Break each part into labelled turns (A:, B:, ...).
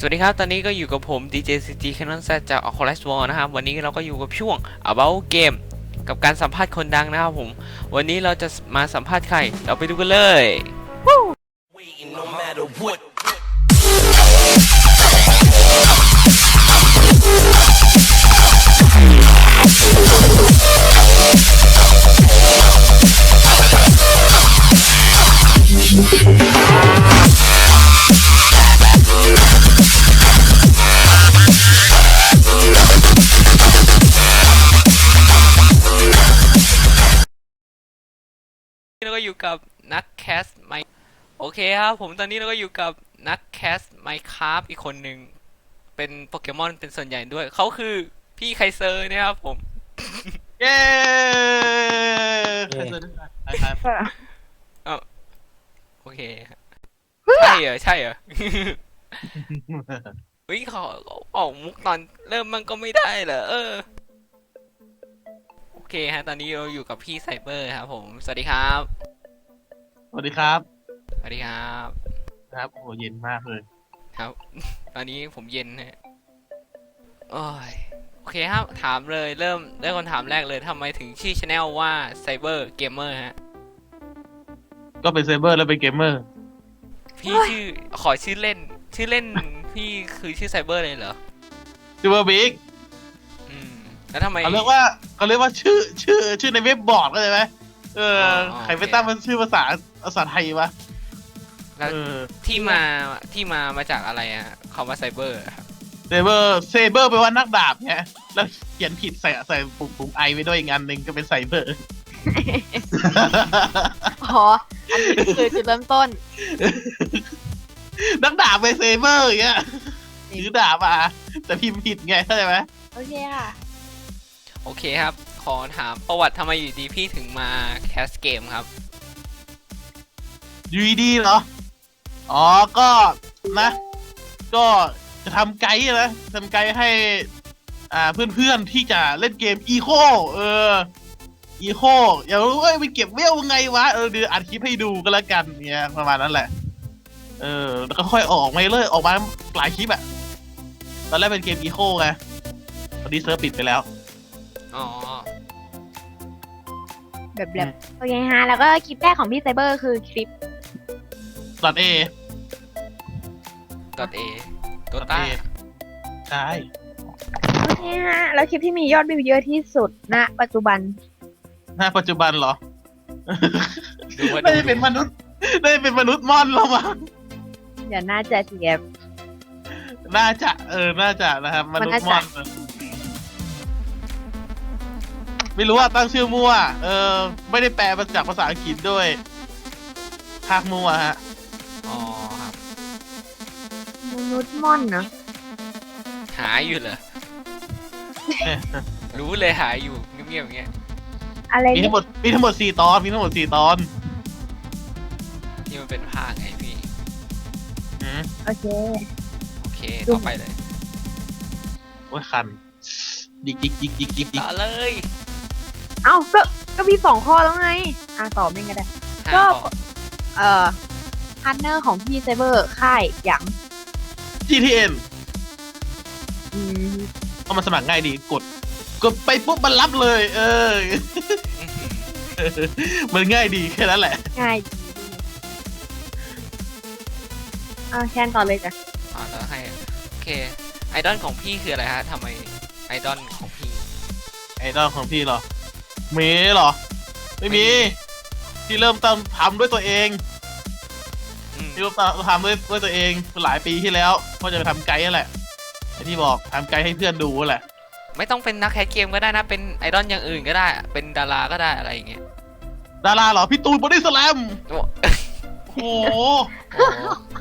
A: วัสดีครับตอนนี้ก็อยู่กับผม DJ CG Canon Z จาก Oculus World นะครับวันนี้เราก็อยู่กับช่วง About Game กับการสัมภาษณ์คนดังนะครับผมวันนี้เราจะมาสัมภาษณ์ใครเราไปดูกันเลยเราก็อยู่กับนักแคสไมโอเคครับผมตอนนี้เราก็อยู่กับนักแคสไมค์คราฟอีกคนหนึ่งเป็นโปเกมอนเป็นส่วนใหญ่ด้วยเขาคือพี่ไคเซอร์นะครับผม
B: เย้
A: เออโอเคใช่เหรอใช่เหรอ เฮ้ยเขาออกมุกตอนเริ่มมันก็ไม่ได้เหรอโอเคฮะตอนนี้เราอยู่กับพี่ไซเบอร์ครับผมสวัสดีครับ
B: สวัสดีครับ
A: สวัสดีครับ
B: ครับโอ้โหเย็นมากเลย
A: ครับ ตอนนี้ผมเย็นฮะโอ้ยโอเคครับถามเลยเริ่มได้คนถามแรกเลยทำไมถึงชื่อช anel ว่าไซเบอร์เกมเมอร์ฮะ
B: ก็เป็นเซเบอร์แล้วเป็นเกมเมอร์
A: พี่ชื่อขอชื่อเล่นพี่คือชื่อไซเบอร์เลยเหรอ
B: ซูเปอร์บิ๊ก
A: อืมแล้วทำไม
B: เขาเรียกว่าชื่อในเว็บบอร์ดเข้าใจไหมใครไปตั้งมันชื่อภาษาไทยวะ
A: แล้วที่มาจากอะไรอะคำว่าไซเบอร์ครับ
B: เซเบอร์แปลว่านักดาบเนี่ยแล้วเขียนผิดใส่ปุ่มไอไว้ด้วยอีกอันหนึ่งก็เป็นไซเบอร์
C: อ๋อ อันนี้คือจุดเริ่มต้น
B: นักดาบเป็นเซเบอร์อย่างเงี้ยถือดาบมาแต่พิมพ์ผิดไงเข้าใจไหม
C: โอเคค่ะ
A: โอเคครับ ขอถามประวัติทำไมอยู่ดีพี่ถึงมาแคสเกมครับ
B: ยูดีเหรออ๋อก็นะ ก็จะทำไกด์นะทำไกด์ให้เพื่อนๆที่จะเล่นเกมอีโคอีโคอยากรู้ว่าไปเก็บเวลยังไงวะเดี๋ยวอัดคลิปให้ดูก็แล้วกันเนี่ยประมาณนั้นแหละแล้วก็ค่อยออกมาเลยออกมาหลายคลิปอะตอนแรกเป็นเกมอีโคไงตอนนี้เซิร์ฟปิดไปแล้ว
A: อ๋อ
C: แบบโอเคฮะ แล้วก็คลิปแรกของพี่ไซเบอร์คือคลิป
B: ดอทเอ
A: .a ตัวต้า
B: ใช่
C: โอเคฮะ แล้วคลิปที่มียอดวิวเยอะที่สุดณปัจจุบัน
B: ปัจจุบันเหรอ
A: ดูว่า
B: ไม่ได้เป็นมนุษย์ม่อนแล้วมั้ง
C: เดี๋ยวน่าจะเสีย
B: น่าจะนะครับมนุษย์ม่อนไม่รู้ว่าตั้งชื่อมั่วไม่ได้แปลมาจากภาษาอังกฤษด้วยภาคมั่วฮะ
A: อ๋อครับ
C: มนุษย์ม่อนเนาะ
A: หาอยู่เหรอ รู้เลยหาอยู่เงียบๆอย่างเงี้ย
C: อะไร
B: มีทั้งหมด4 ตอน
A: ที่มันเป็นภาคไงพี่
C: โอเค
A: โอเคต่อไปเลย
B: โอ้ยคันดิก
A: ต่อเลย
C: เอ้า ก็มี2 ข้อแล้วไง ตอบเองก็ได้
A: หา
C: ก็
A: ต่อ
C: พาร์ทเนอร์ของพี่ไซเบอร์ค่ายอย่าง
B: GTN
C: อืม
B: เพราะมันสมัครง่ายดีกดไปปุ๊บมันรับเลย มันง่ายดีแค่นั้นแหละ
C: ง่ายดีแคนต่อเลยจ้ะ
A: แล้วให้โอเคไอดอลของพี่คืออะไรฮะทำไมไอดอลของพี่
B: ไอดอลของพี่เหรอมีเหรอ ไม่มีที่เริ่มต้นทำด้วยตัวเอง ที่เริ่มต้นทำด้วยตัวเองหลายปีที่แล้วก็จะไปทำไกด์นั่นแหละไอที่บอกทำไกด์ให้เพื่อนดูแหละ
A: ไม่ต้องเป็นนักแคสเกมก็ได้นะเป็นไอดอลอย่างอื่นก็ได้เป็นดาราก็ได้อะไรอย่างเงี้ย
B: ดาราเหรอพี่ตูนบอดี้สแลม
A: โอ้
B: โอ้โห
A: โอ้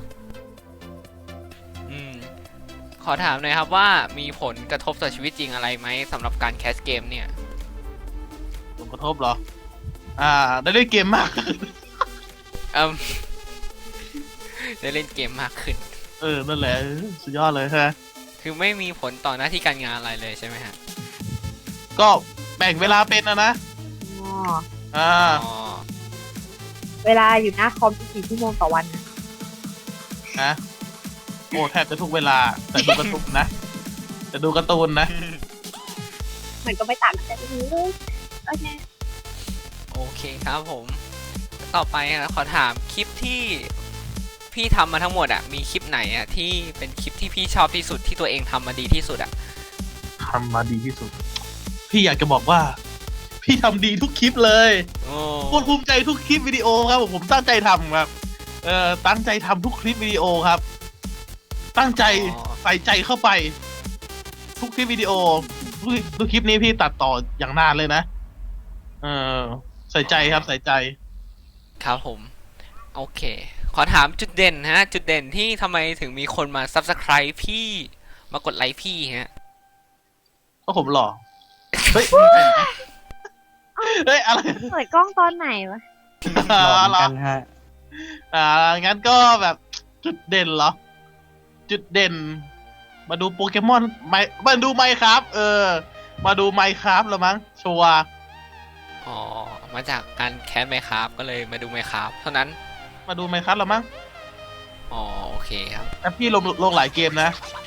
A: ขอถามหน่อยครับว่ามีผลกระทบต่อชีวิตจริงอะไรไหมสำหรับการแคสเกมเนี่ย
B: ผลกระทบเหรอได้เล่นเกมมาก
A: เอิ่ม ได้เล่นเกมมากขึ้น
B: นั่นแหละสุดยอดเลยฮะ
A: คือไม่มีผลต่อหน้าที่การงานอะไรเลยใช่ไหมฮะ
B: ก็แบ่งเวลาเป็นนะ
C: อ๋อ
A: อ๋อ
C: เวลาอยู่หน้าคอมกี่ชั่วโมงต่อวันนะ
B: นะโอ้แทบจะทุกเวลาแต่ดูการ์ตูนนะแต่ดูการ์ตูนนะ
C: มันก็ไม่ต่างกันเลยโอเค
A: โอเคครับผม ต่อไปขอถามคลิปที่พี่ทำมาทั้งหมดอะมีคลิปไหนอะที่เป็นคลิปที่พี่ชอบที่สุดที่ตัวเองทำมาดีที่สุดอะ
B: ทำมาดีที่สุด พี่อยากจะบอกว่า พี่ทำดีทุกคลิปเลย
A: โอ้
B: โคตรภูมิใจทุกคลิปวิดีโอครับผมตั้งใจทำครับตั้งใจทำทุกคลิปวิดีโอครับ ตั้งใจใส่ใจเข้าไป ทุกคลิปวิดีโอทุกคลิปนี้พี่ตัดต่ออย่างนานเลยนะเออใส่ใจครับใส่ใจ
A: ครับผม โอเค ขอถามจุดเด่นฮะ จุดเด่นที่ทำไมถึงมีคนมา subscribe พี่มากดไลค์พี่ฮะ
B: ก็ผมหล่อเฮ้ยเฮ้ยอะไร
C: เปิดกล้องตอนไหนวะ
D: หล่อเหมือนกันฮะ
B: งั้นก็แบบจุดเด่นเหรอ จุดเด่น มาดูโปเกมอนมาดูไมค์ครับมาดูไมค์ครับแล้วมั้งชัวร์
A: อ๋อ มาจากการแคสไมค์ครับก็เลยมาดูไมค์ครับเท่านั้น
B: มาดูไมค์ครับแล้วมั้ง
A: อ๋อ โอเคครับ
B: แต่พี่ลงหลายเกมนะ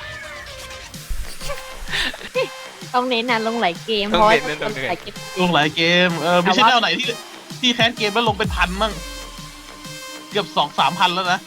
C: ต้องเน้นนะลงหลายเกม
A: ต้อง
C: เพราะว่า
A: เน้น
C: ล
A: ต้อง
C: ง
A: เน้น
C: หลายเกม
B: ลงหลายเกมไม่ใช่
C: แต่
B: แน
C: ว่า
B: วไหนที่แคสเกมแล้วลงเป็นพันมั่งเกือบ2-3 พันแล้วนะ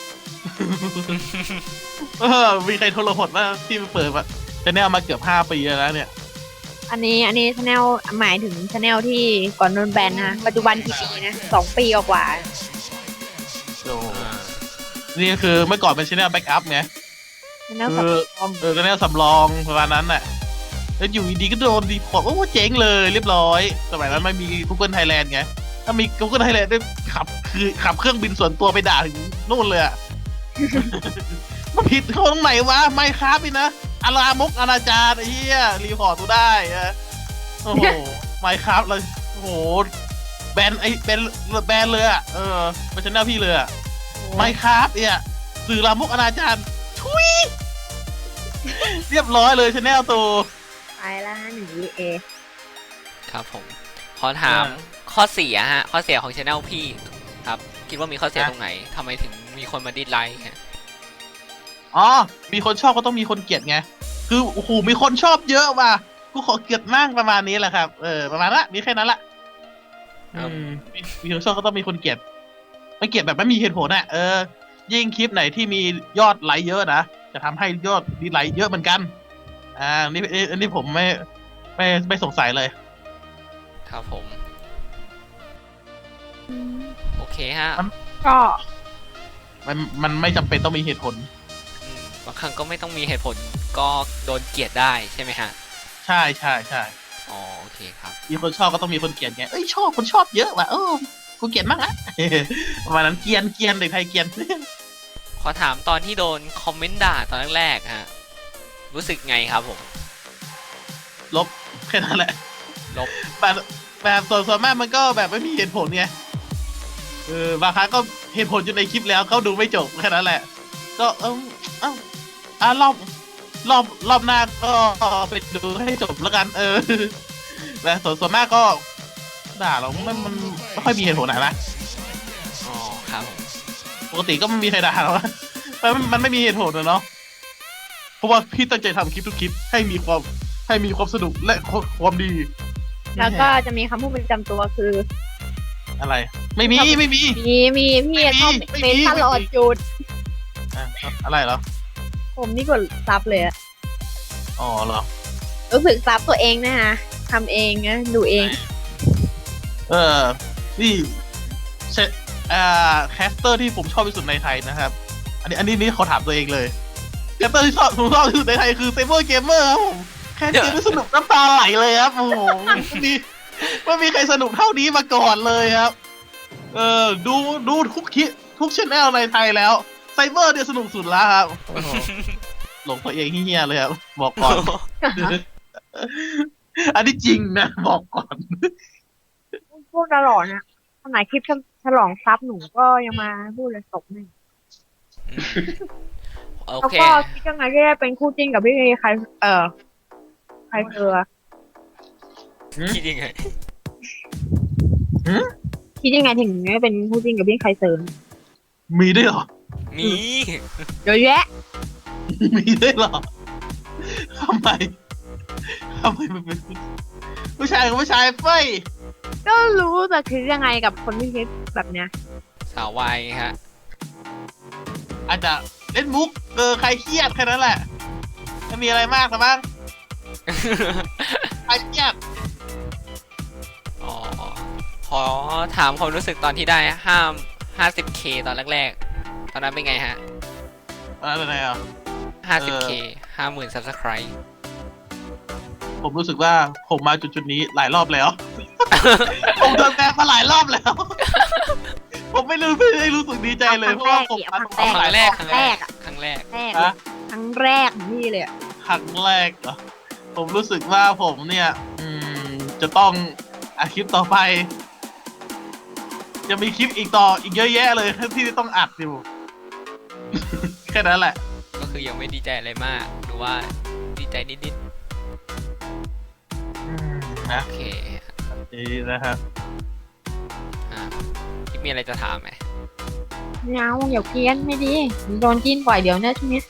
B: มีใครโทรหดว่าที่เปิดมาจะแนวมาเกือบ5 ปีแล้วนะเนี่ย
C: อันนี้ชาแนลหมายถึงชาแนลที่ก่อนโดนแบนนะปัจจุบันกี่ปีนะ2 ปีกว่า
B: โอ้นี่คือเมื่อก่อนเป็นชแนลแบ็กอัพไง
C: ชาแนลสับคอม
B: ชแนลสำรองประมาณนั้นน่ะ แล้วอยู่ดีๆก็โดนดีพอร์ตโอ้เจ๊งเลยเรียบร้อย สมัยนั้นไม่มี Google Thailand ไง ถ้ามี Google Thailand ได้ขับเครื่องบินส่วนตัวไปด่าถึงนู่นเลยอ่ะ มาผิดเขาตรงไหนวะ ไม่ครับพี่นะอาลามกอนาจารไอ้เหี้ยรีพอร์ตกูได้อะโอ้โห ไม่ครับเลยโอ้โหแบนเลยอ่ะเป็นชแนลพี่เลยอ่ะ ไม่ครับเนี่ยสื่อลามกอนาจารทุย เรียบร้อยเลยชแนลตัว
C: ไปละ1 VA
A: ครับผม ขอถามข้อเสียฮะ ข้อเสียของช anel พี่ครับ คิดว่ามีข้อเสียตรงไหนทำไมถึงมีคนมาดิสไลค์ฮะ
B: อ๋อ มีคนชอบก็ต้องมีคนเกลียดไง คือโอ้โหมีคนชอบเยอะว่ะกูขอเกลียดมั่งประมาณนี้แหละครับ ประมาณละมีแค่นั้นละ
A: ครับ
B: มีคนชอบก็ต้องมีคนเกลียดไม่เกลียดแบบไม่มีเหตุผลอ่ะยิ่งคลิปไหนที่มียอดไลค์เยอะนะจะทำให้ยอดดีไลค์เยอะเหมือนกัน อันนี้ผมไม่สงสัยเลย
A: ครับผม โอเคฮะ
C: ก็
B: มันไม่จำเป็นต้องมีเหตุผล
A: บางครั้งก็ไม่ต้องมีเหตุผลก็โดนเกลียดได้ใช่ไหมฮะ
B: ใช่ใช่ใช่
A: อ๋อ โอเคครับ
B: มีคนชอบก็ต้องมีคนเกลียดไงเอ้ยชอบคนชอบเยอะว่ะกูเกลียดมากนะ ประมาณนั้นเกลียนเด็กไทยเกลียน
A: ขอถามตอนที่โดนคอมเมนต์ด่าตอนแรกๆฮะ รู้สึกไงครับผม
B: ลบแค่นั้นแหละ
A: ลบ
B: แบบส่วนมากมันก็แบบไม่มีเหตุผลไงบางครั้งก็เหตุผลอยู่ในคลิปแล้วเขาดูไม่จบแค่นั้นแหละ ก็รอบหน้าก็ไปดูให้จบแล้วกัน แต่ส่วนมากก็ด่าเรามันไม่ค่อยมีเหตุผลนะ
A: อ๋อ ครับผม
B: ปกติก็ไม่มีใครด่าหรอกนะมันไม่มีเหตุผลนะเนาะเพราะว่าพี่ตั้งใจทำคลิปทุกคลิปให้มีความสนุกและความดี
C: แล้วก็จะมีคำพูดประจำตัวคือ
B: อะไร ไม่มี
C: มีพี่ชอบเมนตลอดจุด
B: อะไรเหรอ
C: ผมนี่กดซับเลยอะ
B: อ๋อเหรอ
C: รู้สึกซับตัวเองนะฮะทำเองนะดูเอง
B: นี่เชแคสเตอร์ที่ผมชอบที่สุดในไทยนะครับ อันนี้ขอถามตัวเองเลยแคสเตอร์ที่ผมชอบที่สุดในไทยคือเซเบอร์เกมเมอร์ครับผมแคสเกมที่สนุกน้ำตาไหลเลยครับโอ้โหไม่มีใครสนุกเท่านี้มาก่อนเลยครับ ดูทุกช่องในไทยแล้วไซเบอร์เนี่ยสนุกสุดแล้วครับโอ้โหหลงตัวเองเฮี้ยเลยครับบอกก่อน อันนี้จริงนะบอกก่อน
C: พูดตลอดนะขนาดคลิปฉลองซับหนูก็ยังมาพูดเลยตกหนึ่ง
A: โอ
C: แล้ว
A: เค
C: ก็คิดยังไงที่ได้เป็นคู่จิ้นกับพี่ใครเจอ
A: คิดยังไง
C: คิดยังไงถึงได้เป็นคู่จิ้นกับพี่ใครเจอ
B: มีด้วยเหรอ
A: มี
C: เยอะแยะ
B: มีด้วยเหรอทำไมทำไมมันเป็นผู้ชายกับผู้ชายเฟ้ย
C: ก็รู้แต่คือยังไงกับคนที่คิดแบบเนี้ย
A: สาววายไงฮะ
B: อาจจะเล่นมุกใครเครียดแค่นั้นแหละไม่มีอะไรมากหรอกมั้งใครเครียด
A: อ๋อขอถามความรู้สึกตอนที่ได้50K ตอนแรกๆ ตอนนั้นเป็นไงฮะ
B: อะไรอ่ะ
A: 50K 50,000 Subscribe
B: ผมรู้สึกว่าผมมาจุดนี้หลายรอบแล้ว ผมโดนแบนมาหลายรอบแล้ว ผมไม่ได้รู้สึกดีใจเลยเพราะว่าผมมา
C: ครั้งแรก
A: ครั้งแรก
C: ครั้งแรก
A: ครั้งแรก
C: แรก
B: ฮะ
C: ครั้งแรกของพี่เลยอะ
B: ครั้งแรกเหรอผมรู้สึกว่าผมเนี่ย จะต้องอัดคลิปต่อไป จะมีคลิปอีกเยอะแยะเลยที่ต้องอัดอยู่ แค่นั้นแหละ
A: ก็คือยังไม่ดีใจอะไรมาก หรือว่าดีใจนิด
B: นะ
A: ๆ โอเค
B: นี่นะครับ
A: ที่มีอะไรจะถามไหม
C: ไม่เอาอย่าเพี้ยนไม่ดีโดนกินบ่อยเดี๋ยวนะช่วงนี้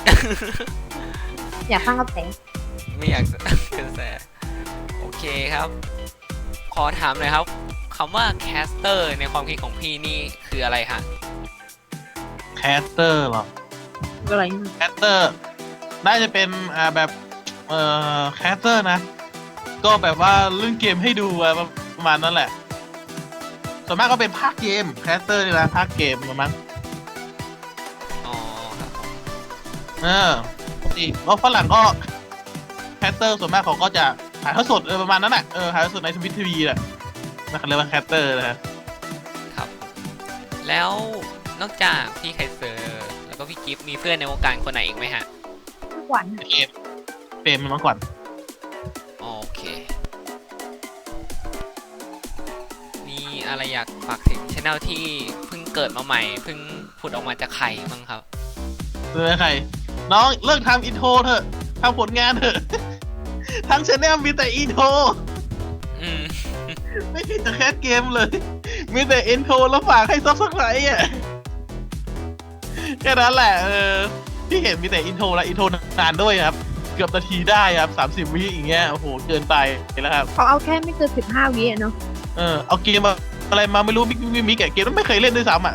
C: อยากฟังกระแส
A: ไม่อยากจะ เป็นแสโอเคครับ ขอถามหน่อยครับคำว่า caster ในความคิดของพี่นี่คืออะไรฮะ
B: แคสเตอร์เหรอ
C: อะไร
B: แคสเตอร์น่าจะเป็นแบบแคสเตอร์นะ ก็แบบว่าเล่นเกมให้ดูประมาณนั้นแหละ ส่วนมากก็เป็นภาคเกมแคสเตอร์นี่นะภาคเกมมั้ง
A: อ๋อครับผม
B: ปกติแล้วฝรั่งก็แคสเตอร์ส่วนมากเขาก็จะถ่ายทอดสดประมาณนั้นแหละถ่ายทอดสดในทวิตทีวีแหละนั่นเขาเรียกว่าแคสเตอร์นะฮะ
A: ครับ แล้วนอกจากพี่ไคเซอร์ แล้วก็พี่กิฟต์มีเพื่อนในวงการคนไหนอีกไหมฮะ
C: ทุกวัน
B: เฟรมมันก่อน
A: โอเค มีอะไรอยากฝากถึงช anel ที่เพิ่งเกิดมาใหม่ เพิ่งผุดออกมาจากไข่บ้างครับ
B: เออใครน้องเลิกทำอินโทรเถอะทำผลงานเถอะ ทั้งชแนลมีแต่อินโทร
A: อืม
B: ไม่มีแต่แคสเกมเลย มีแต่อินโทรแล้วฝากให้ซับสไครต์อ่ะแค่นั้นแหละที่เห็นมีแต่อินโทรและอินโทรนานด้วยครับ เกือบนาทีได้ครับ30 วิอย่างเงี้ยโอ้โหเกินไปแล้วครับ
C: เขาเอาแค่ไม่เกิน15 วิอะเนาะ
B: เอาเกมอะไรมาไม่รู้มิกเกมไม่เคยเล่นด้วยซ้ำอ่ะ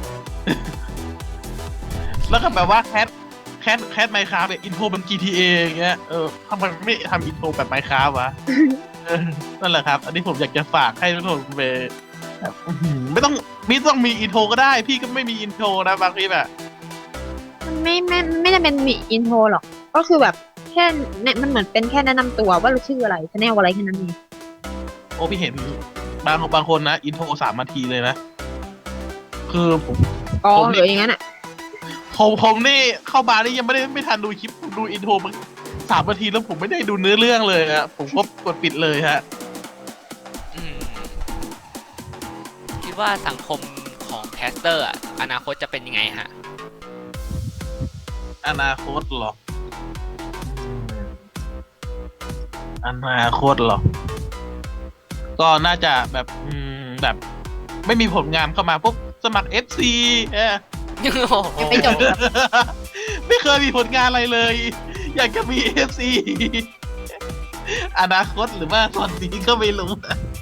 B: แล้วก็แบบว่าแคสไมค์คราฟอินโทรมัน GTA อย่างเงี้ยทำไมไม่ทำอินโทรแบบไมค์คราฟวะ นั่นแหละครับ อันนี้ผมอยากจะฝากให้ทุกคนไปแบบไม่ต้องมีอินโทรก็ได้ พี่ก็ไม่มีอินโทรนะบางทีแบบ
C: มันไม่ได้เป็นมีอินโทรหรอก ก็คือแบบแค่เนี่ยมันเหมือนเป็นแค่แนะนำตัวว่าเราชื่ออะไรชแนลอะไรแค่นั้นเอง
B: โอ้พี่เห็นบางคนนะอินโทร3 นาทีเลยนะ คือผม
C: อ๋อ
B: ผม
C: หรืออย่างนั้นอ่ะ
B: ผมนี่เข้าบาร์นี่ยังไม่ทันดูคลิปดูอินโทรมัน3 นาทีแล้วผมไม่ได้ดูเนื้อเรื่องเลยฮะผมก็กดปิดเลยฮะ
A: อืม คิดว่าสังคมของแคสเตอร์อะอนาคตจะเป็นยังไงฮะ
B: อนาคตเหรออนาคตเหรอ ก็น่าจะแบบแบบไม่มีผลงานเข้ามาปุ๊บสมัคร FC
C: ยังไม่จบครับ
B: ไม่เคยมีผลงานอะไรเลย อยากจะมี FC อนาคตหรือว่าตอนนี้ก็ไม่รู้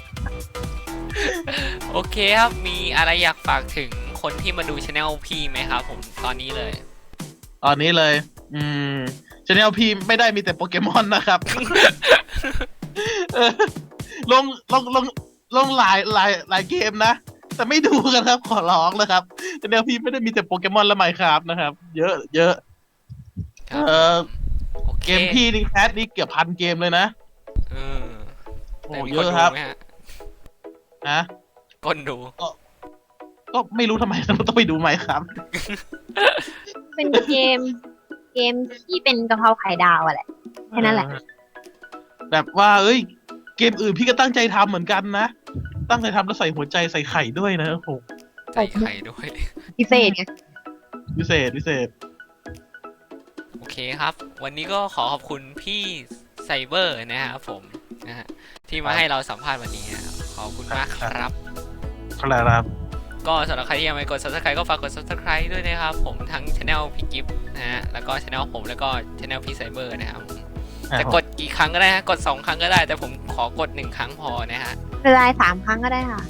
A: โอเคครับ มีอะไรอยากฝากถึงคนที่มาดูช anel พี่ไหมครับผมตอนนี้เลย
B: ตอนนี้เลยชาแนลพี่ไม่ได้มีแต่โปเกมอนนะครับ เออลงหลายเกมนะ แต่ไม่ดูกันครับ ขอร้องนะครับชาแนลพี่ไม่ได้มีแต่โปเกมอนและไมค์ครับนะครับ เยอะ
A: ครับ โอเค
B: เกมพี่นี่แคสนี่เกือบ1,000 เกมเลยนะ
A: เออ
B: โอ้
A: แต่มี
B: เย
A: คน
B: อะ
A: ดู
B: ครับ
A: ไหมฮะ
B: นะ
A: คนดู
B: ก็ไม่รู้ทำไมเราต้องไปดูไมค์ครับ
C: เป็นเกมที่เป็นกะเพราไข่ดาวอะแหละ แค่นั้นแหละ
B: แบบว่าเกมอื่นพี่ก็ตั้งใจทำเหมือนกันนะ ตั้งใจทำแล้วใส่หัวใจใส่ไข่ด้วยนะโอ้โห
A: ใส่ไข่ด้วย
C: พิเศษไง
B: พิเศษ
A: โอเคครับ วันนี้ก็ขอขอบคุณพี่ไซเบอร์นะครับผมนะฮะที่มาให้เราสัมภาษณ์วันนี้นะครับขอบคุณมากครับ
B: ครับ
A: ก็สำหรับใครที่ยังไม่กด subscribe ก็ฝากกด subscribe ด้วยนะครับผมทั้ง channel พี่กิฟต์นะฮะแล้วก็ channel ผมแล้วก็ channel พี่ไซเบอร์นะครับจะกดกี่ครั้งก็ได้ฮะกด2ครั้งก็ได้แต่ผมขอกด1ครั้งพอนะฮะ
C: เวลา3 ครั้งก็ได้ค่ะ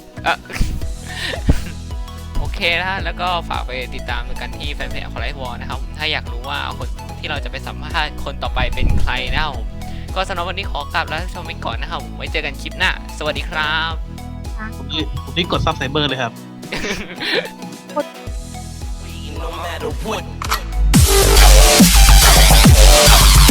A: โอเคนะฮะแล้วก็ฝากไปติดตามกันที่แฟนเพจของไลฟ์วอลนะครับถ้าอยากรู้ว่าคนที่เราจะไปสัมภาษณ์คนต่อไปเป็นใครนะครับผมก็สำหรับวันนี้ขอกลับแล้วชมไปก่อนนะครับไว้เจอกันคลิปหน้าสวัสดีครับ
B: ผมนี่กดซับไซเบอร์เลยครับ
D: No matter what.